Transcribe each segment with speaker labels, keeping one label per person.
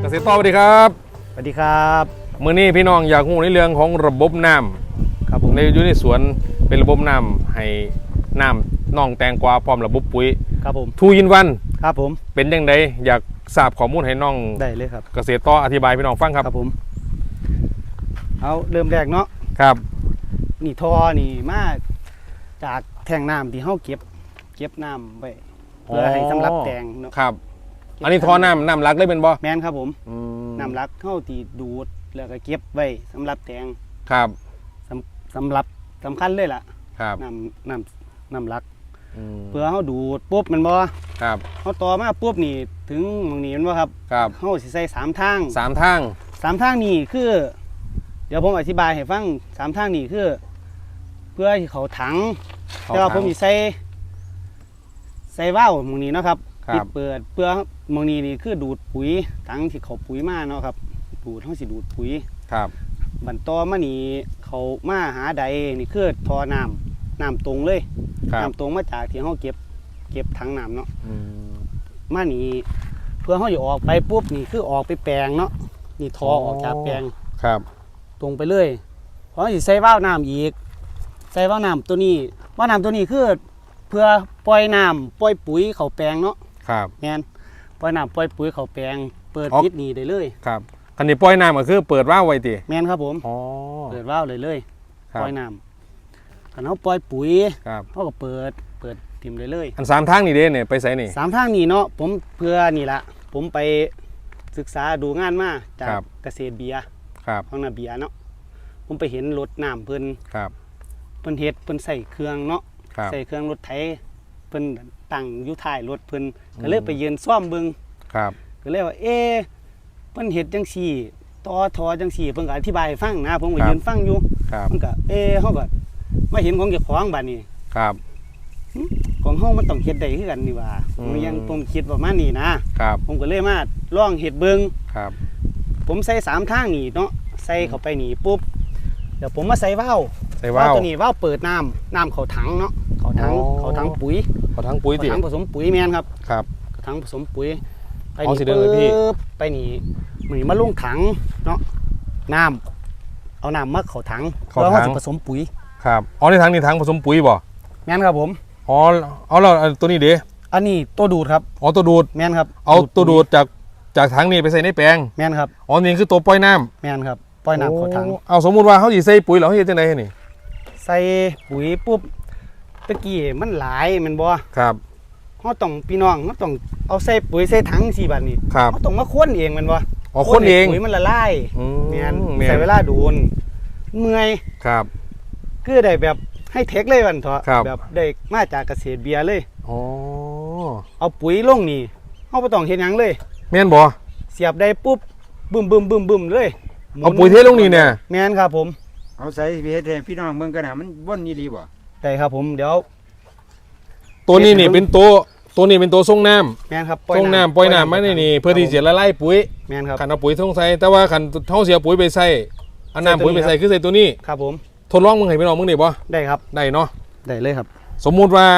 Speaker 1: ษตรต่อสวัสดีครับ
Speaker 2: สวัสดีครับ
Speaker 1: มื้อนี้พี่น้องอยากรู้ในเรื่องของระบบน้ำ
Speaker 2: ครับผม
Speaker 1: ในอยู่ในสวนเป็นระบบน้ำให้น้ำน่องแตงกวาพร้อมระบบปุ๋ย
Speaker 2: ครับผม
Speaker 1: ทูยินวัน
Speaker 2: ครับผม
Speaker 1: เป็นยังไงอยากทราบข้อมูลให้น้อง
Speaker 2: ได้เลยครับ
Speaker 1: เกษตรต่ออธิบายพี่น้องฟังครับ
Speaker 2: ครับผมเอาเริ่มแรกเนาะ
Speaker 1: ครับ
Speaker 2: นี่ท่อนี่มาจากแทงน้ำที่เฮาเก็บน้ำไว้เพื่อให้สำหรับแตงเนาะ
Speaker 1: ครับอันนี้ท่อน้ำรักได้เป็นบ่
Speaker 2: แม่นครับผมน้ำรักเฮาที่ดูดแล้วก็เก็บไว้สำหรับแตง
Speaker 1: ครับ
Speaker 2: สำหรับสำคัญเลยล่ะ
Speaker 1: ครับ
Speaker 2: น้ำรักเพื่อเฮาดูดปุ๊บมันบ่
Speaker 1: ครับ
Speaker 2: เฮาต่อมาปุ๊บนี่ถึงตรงนี้มันบ่ครับ
Speaker 1: ครับ
Speaker 2: เฮาสิใส่3ทางนี่คือเดี๋ยวผมอธิบายให้ฟัง3ทางนี่คือเพื่อให้เขาถังแต่ว่าผมสิใส่ว่าวตรงนี้เนาะครับที่เปิดเพื่อตรงนี้นี่คือดูดปุ๋ยถังที่เขาปุ๋ยมาเนาะครับดูดเฮาสิดูดปุ๋ย
Speaker 1: ครับ
Speaker 2: บันต่อมานี่เขามาหาใดนี่คือท่อน้ำตรงเลยน้ำตรงมาจากที่เฮาเก็บถังน้ำเนาะมานี่เพื่อเฮาจะออกไปปุ๊บนี่คือออกไปแปลงเนาะนี่ท่อออกจากแปลง
Speaker 1: ครับ
Speaker 2: ตรงไปเลยเพราะสิใส่ว่าวน้ำอีกใส่ว่าวน้ำตัวนี้ว่าวน้ำตัวนี้คือเพื่อปล่อยน้ำปล่อยปุ๋ยเข้าแปลงเนาะ
Speaker 1: ครับ
Speaker 2: แม่นปล่อยน้ำปล่อยปุ๋ยเข้าแปลงเปิดปิดนี่ได้เลย
Speaker 1: ครับคันนี้ปล่อยน้ำก็คือเปิดว่าวไว้ติ
Speaker 2: แม่นครับผมเปิดว่าวเลยปล่อยน้ำคันเฮาปล่อยปุ๋ยเฮาก็เปิดทิ่มเลย
Speaker 1: อัน3ทางนี่เด้เนี่ยไปไสนี่
Speaker 2: 3ทางนี่เนาะผมเพื่อนี่ละผมไปศึกษาดูงานมาจากเกษตรเบียร์ของนาเบียร์เนาะผมไปเห็นรถน้ำเพิ่นเฮ็ดเพิ่นใส่เครื่องเนาะใส่เครื่องรถไถเพิ่นตั้งอยู่ท้ายรถเพิ่นก็เลยไปยืนซ่อมเบิ่งก็เลยว่าเพิ่นเฮ็ดจังซี่ต่อทอจังซี่เพิ่นก็อธิบายให้ฟังนะผมก็ยืนฟังอยู่มันก็เฮาก็มาเห็นของเจ้าของบัดนี้ของเฮามันต้องเฮ็ดได้คือกันนี่ว่าผมคิดประมาณนี้นะผมก็เลยมาลองเฮ็ดเบิ่งผมใส่3ทางนี่เนาะใส่เข้าไปนี่ปุ๊บเดี๋ยวผมมาใส่ว่าวตัวนี้ว่าวเปิดน้ำเข้าถังเนาะเข้าถังปุ๋ย
Speaker 1: ถัง
Speaker 2: ผสมปุ๋ยแม่นครับถังผสมปุ๋ยไปนี่ไปนี่มันมาลงถังเนาะเอาน้ำมาเข้าถังแล้วเขาจะผสมปุ๋ย
Speaker 1: ครับในถังนี่ถังผสมปุ๋ยบ่
Speaker 2: แม่นครับผม
Speaker 1: เอาแล้วตัวนี้เด้
Speaker 2: อันนี้ตัวดูดครับ
Speaker 1: ตัวดูด
Speaker 2: แม่นครับ
Speaker 1: เอาตัวดูดจากถังนี่ไปใส่ในแปลง
Speaker 2: แม่นครับ
Speaker 1: นี่คือตัวปล่อยน้ำ
Speaker 2: แม่นครับปล่อยน้ำเข้าถัง
Speaker 1: เอาสมมุติว่าเขาสิใส่ปุ๋ยแล้วเขาเฮ็ดจังได๋นี่
Speaker 2: ใส่ปุ๋ยปุ๊บตะกี้มันหลายแม่นบ่
Speaker 1: ครับ
Speaker 2: เฮาต้องพี่น้องเฮาต้องเอาใส่ปุ๋ยใส่ถังสิบัดนี้เฮาต้องมาค้นเองแม่นบ่
Speaker 1: ค้นเอง
Speaker 2: ปุ๋ยมันละลายแม่นใส่เวลาโดนเมื่อย
Speaker 1: ครับ
Speaker 2: คือได้แบบให้เทคเลยวันเถอะแบบได้มาจากเกษตรเบียร์เลยเอาปุ๋ยลงนี่เฮาบ่ต้องเฮ็ดหยังเลย
Speaker 1: แม่นบ่
Speaker 2: เสียบได้ปุ๊บบึ้มเลย
Speaker 1: เอาปุ๋ยเทลงนี่เนี่ย
Speaker 2: แม่นครับผม
Speaker 3: เอาใส่เฮ็ดให้พี่น้องเบิ่งกันน่ะมันบ่นอีหลีบ่
Speaker 2: ได้ครับผมเดี๋ยว
Speaker 1: ตัวนี้นี่เป็นตัวนี้เป็นตัวส่งน้ำ
Speaker 2: แม่นครับ
Speaker 1: ส่งน้ำปล่อยน้ำมานี่เพื่อที่จะละลายปุ๋ย
Speaker 2: แม่นครับ
Speaker 1: คันเอาปุ๋ยส่งใส่แต่ว่าคันเฮาเสียปุ๋ยไปใส่เอาน้ำปุ๋ยไปใส่คือใส่ตัวนี้
Speaker 2: ครับผม
Speaker 1: ทดลองมึงให้พี่น้องมึงได้บ่
Speaker 2: ได้ครับ
Speaker 1: ได้เนาะ
Speaker 2: ได้เลยครับ
Speaker 1: สมมุติว่า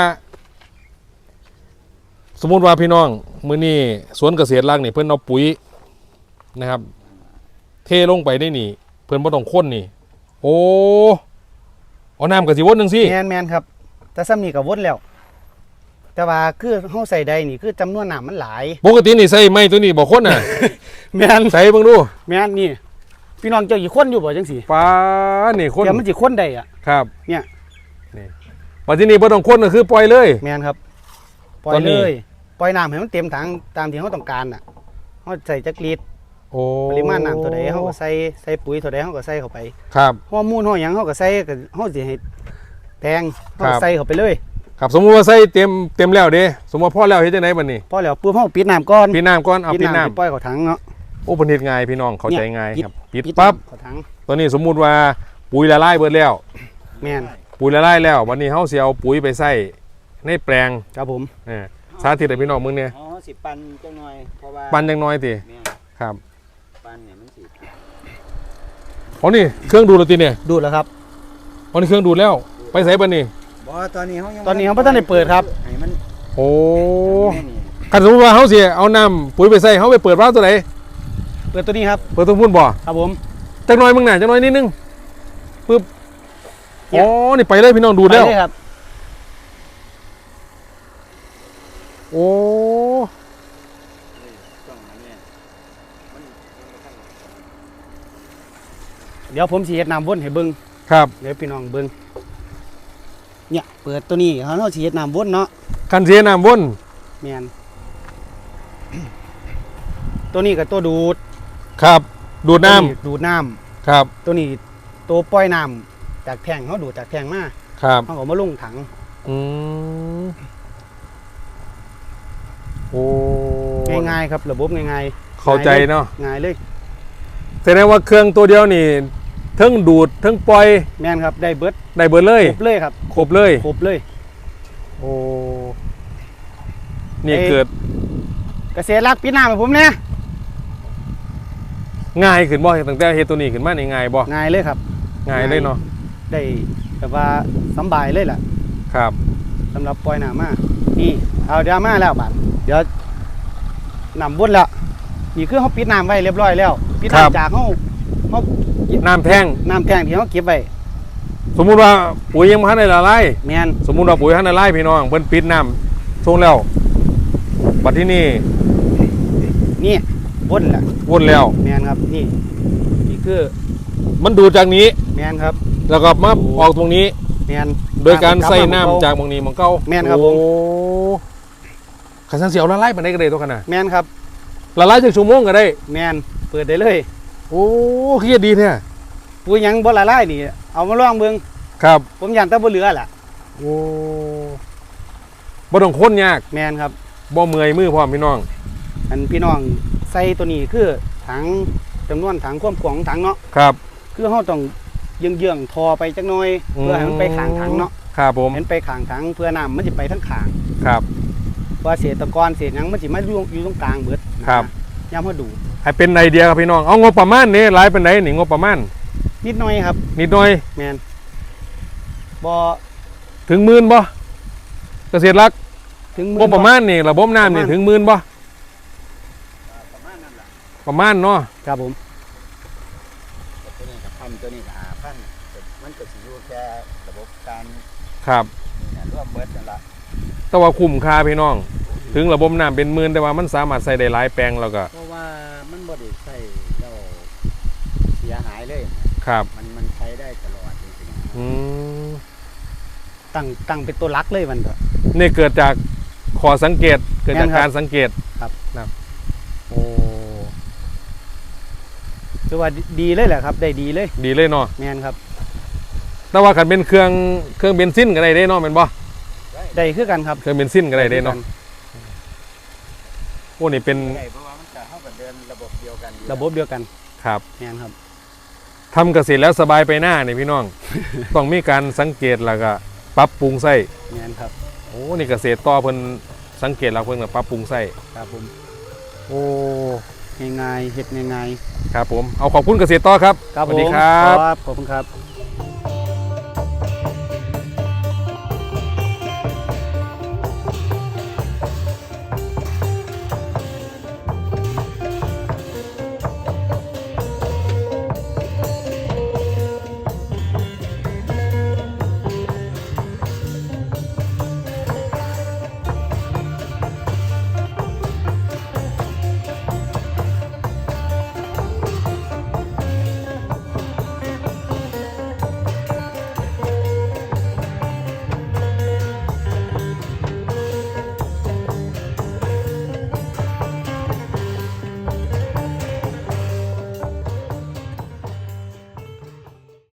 Speaker 1: พี่น้องมื้อนี้สวนเกษตรรักนี่เพิ่นเอาปุ๋ยนะครับเทลงไปได้นี่เพิ่นบ่ต้องข้นนี่เอาน้ำก็สิวนจังซี่
Speaker 2: แม่นครับแต่ซ้ำนี่ก็วนแล้วแต่ว่าคือเฮาใส่ใดนี่คือจำนวนน้ำมันหลาย
Speaker 1: ปกตินี่ใส่ไม้ตัวนี้บ่ข้นน่ะ
Speaker 2: แม่น
Speaker 1: ใส่เบิ่งดู
Speaker 2: แม่นนี่พี่น้องเจ้าสิข้นอยู่บ่จังซี่
Speaker 1: ป้านี่ข้น
Speaker 2: แต่มันสิข้นได้อ่ะ
Speaker 1: ครับ
Speaker 2: เนี่ย
Speaker 1: นี่ปัจจุบันนี้บ่ต้องข้นก็คือปล่อยเลย
Speaker 2: แม่นครับปล่อยเลยปล่อยน้ำให้มันเต็มถังตามที่เฮาต้องการน่ะเฮาใส่จักลิตรปริมาณน้ำเท่าใดเฮาก็ใส่ปุ๋ยเท่าใดเฮาก็ใส่เข้าไป
Speaker 1: ครับ
Speaker 2: ฮอร์โมนเฮาหยังเฮาก็ใส่ก็เฮาสิให้แตงเฮาใส่เข้าไปเลย
Speaker 1: ครับสมมุติว่าใส่เต็มแล้วเด้สมมุติพอแล้วเฮ็ดจังได๋บัดนี้
Speaker 2: พอแล้วปุ๊บเฮาปิดน้ำก่อน
Speaker 1: เอาปิดน้
Speaker 2: ำปล่อยเข้าถังเนาะ
Speaker 1: เพิ่นเฮ็ดง่ายพี่น้องเข้าใจง่ายครับปิดปั๊บ
Speaker 2: เข้าถัง
Speaker 1: ตัวนี้สมมุติว่าปุ๋ยละลายเบิดแล้ว
Speaker 2: แม่น
Speaker 1: ปุ๋ยละลายแล้ววันนี้เฮาสิเอาปุ๋ยไปใส่ในแปลง
Speaker 2: ครับผม
Speaker 1: สาธิตให้พี่น้องมึงเนี่ย
Speaker 2: สิปั่นจังหน่อยเพราะว่า
Speaker 1: ปั่นจังน้อยติครับ
Speaker 2: ปั่นเนี่ยมันสิ
Speaker 1: นี่เครื่องดูดแล้วติเนี่ย
Speaker 2: ดูดแล้วครับ
Speaker 1: นี่เครื่องดูดแล้วไปใส่บัดนี้
Speaker 2: บ่ตอนนี้เฮาบ่ทันได้เปิดครับให้มัน
Speaker 1: คันสมมุติว่าเฮาสิเอาน้ำปุ๋ยไปใส่เฮาไปเปิดวาล์วตัวไหน
Speaker 2: เปิดตัวนี้ครับ
Speaker 1: เปิดตัวพุ่นบ่
Speaker 2: ครับผม
Speaker 1: จักหน่อยมึงหน่ะจักหน่อยนิดนึงปึ๊บ
Speaker 2: เนี่ย
Speaker 1: อ๋อนี่ไปเลยพี่น้องดูดแล้ว
Speaker 2: ไปเลยครับ
Speaker 1: โอ้
Speaker 2: เดี๋ยวผมสิเฮ็ดน้ำวนให้เบิ่ง
Speaker 1: ครับ
Speaker 2: เดี๋ยวพี่น้องเบิ่งเนี่ยเปิดตัวนี้เขาสิเฮ็ดน้ำวนเนาะ
Speaker 1: คันเสียน้ำวน
Speaker 2: แม่นตัวนี้ก็ตัวดูด
Speaker 1: ครับดูดน้
Speaker 2: ตัวดูดน้
Speaker 1: ำครับ
Speaker 2: ำตัวนี้ตัวปล่อยน้ำจากแทงเขาดูดจากแทงมา
Speaker 1: ครับ
Speaker 2: เขาก็มาลงถัง
Speaker 1: อืมโอ้
Speaker 2: ง่ายๆครับระบบง่ายๆ
Speaker 1: เข้าใจเนาะ
Speaker 2: ง่ายเลย
Speaker 1: แสดงว่าเครื่องตัวเดียวนี่เทั้งดูดเทั้งปล่อย
Speaker 2: แม่นครับได้เบิด
Speaker 1: ได้เบิดเลย
Speaker 2: ครบเลยครับ
Speaker 1: ครบเลย
Speaker 2: ครบเลย
Speaker 1: โอ้นี่
Speaker 2: เอ้ย
Speaker 1: เกิด
Speaker 2: เกษตรรักปีหน้าให้ผมเนี่ย
Speaker 1: ง่ายขึ้นบ่ตั้งแต่เฮ็ดตัวนี้ขึ้นมานี่ง่ายบ่
Speaker 2: ง่ายเลยครับ
Speaker 1: ง่ายเลยเนาะ
Speaker 2: ได้แบบว่าสำบายเลยล่ะ
Speaker 1: ครับ
Speaker 2: สำหรับปล่อยน้ำมานี่เอาเดี๋ยวมาแล้วบาดเดี๋ยวน้ำบนแล้วนี่คือเขาปิดน้ำไว้เรียบร้อยแล้วปิด
Speaker 1: ครับ
Speaker 2: น้ำจากเขา
Speaker 1: น้ำแท่ง
Speaker 2: น้ำแทงที่เขาเก็บไว้
Speaker 1: สมมุติว่าปุ๋ยยังบ่ทันได้ละลาย
Speaker 2: แมน
Speaker 1: สมมุติว่าปุ๋ยทันได้ละลายพี่น้องเพิ่นปิดน้ำส่งแล้วบัดที่นี่
Speaker 2: นี่บนแหละ
Speaker 1: วนแล้ว
Speaker 2: แมนครับนี่นี่คือ
Speaker 1: มันดูดจากนี้
Speaker 2: แมนครับ
Speaker 1: แล้วก็มาออกตรงนี้
Speaker 2: แมน
Speaker 1: โดยการใส่น้ำจากบางนี้มันเก่า
Speaker 2: แม่นครับผม
Speaker 1: โอ้ขันสันเสียวละลายปานใดก็ได้ตัวขนาด
Speaker 2: แมนครับ
Speaker 1: ละลายจากชั่วโมงก็ได้
Speaker 2: แมนเปิดได้เลย
Speaker 1: โอ้เครียดดีแท้
Speaker 2: ปุ๋ยหยังบ่ละลายนี่เอามาลองเบิ่ง
Speaker 1: ครับ
Speaker 2: ผมยันแต่บ่เหลือล่ะ
Speaker 1: โอ้บ่ต้องค้นยาก
Speaker 2: แมนครับ
Speaker 1: บ่เมื่อยมือพร้อมพี่น้อง
Speaker 2: อันพี่น้องใส่ตัวนี้คือถังจำนวนถังความกว้างของถังเนาะ
Speaker 1: ครับ
Speaker 2: คือเราต้องเยื่องๆทอไปจักหน่อยเพื่อให้มันไปข้างถังเนาะ
Speaker 1: ครับผม
Speaker 2: เห็นไปข้างถังเพื่อน้ำมันจะไปทั้งข้าง
Speaker 1: ครับ
Speaker 2: ว่าเศษตะกอนเศษหยังมันสิมาอยู่ตรงกลางเบิดนะครับ ยามเฮาดู
Speaker 1: ให้เป็นไอเดียครับพี่น้องเอางบประมาณนี่หลายปานใดนี่งบประมาณ
Speaker 2: นิดหน่อยครับ
Speaker 1: นิดหน่อย
Speaker 2: แมนบ่
Speaker 1: ถึงหมื่นบ่เกษตรรัก
Speaker 2: ถึง
Speaker 1: งบประมาณนี่ระบบน้ำนี่ถึงหมื่นบ่ประมาณเนาะ
Speaker 2: ครับผม
Speaker 3: ตัวนี้กับ1,000ตัวนี้กับ5,000มันก็สิอยู่แค่ระบบการ
Speaker 1: ครับ
Speaker 3: นี่นะร่วมเบิดนั่นล่ะ
Speaker 1: แต่ว่าคุ้มค่าพี่น้อง ถึงระบบน้ำเป็นหมื่นแต่ว่ามันสามารถใส่ได้หลายแปลงแล้วก็
Speaker 3: เพราะว่ามันบ่ได้ใช้แล้วเสียหายเลย
Speaker 1: ครับ
Speaker 3: มันใช้ได้ตลอดจริง
Speaker 1: อืม
Speaker 2: ตั้งเป็นตัวหลักเลยมันก็
Speaker 1: นี่เกิดจากขอสังเกตเกิดจาก
Speaker 2: แม่นครับ
Speaker 1: การสังเกต
Speaker 2: ครับ
Speaker 1: นะโอ้
Speaker 2: คือว่าดีเลยแหละครับ ได้ดีเลย
Speaker 1: ดีเลยเนาะ
Speaker 2: แมนครับ
Speaker 1: แต่ว่าคันเป็นเครื่องเบนซินก็ได้เด้เนาะแม่นบ่
Speaker 2: ได้คือกันครับ
Speaker 1: เครื่องเบนซินก็ได้เด้เนาะโอ้นี่เป็น
Speaker 3: ๆใช่เพราะว่ามันจะเข้ากับเดินระบบเดียวกันอยู่
Speaker 2: ระบบเดียวกัน
Speaker 1: ครับ
Speaker 2: แมนครับ
Speaker 1: ทำเกษตรแล้วสบายไปหน้านี่พี่น้อง ต้องมีการสังเกตแล้วก็ปรับปรุงใส่
Speaker 2: แมนครับ
Speaker 1: โอ้นี่เกษตรต่อเพิ่นสังเกตแล้วเพิ่นก็ปรับปรุงใส่
Speaker 2: ครับผม
Speaker 1: โอ้
Speaker 2: ง่ายๆเฮ็ดง่าย
Speaker 1: ครับผมเอาขอบคุณเกษตรต่อครับ
Speaker 2: ๆครับ
Speaker 1: ส
Speaker 2: ผ
Speaker 1: วัส
Speaker 2: ม
Speaker 1: ดีครับ
Speaker 2: ขอบคุณครับ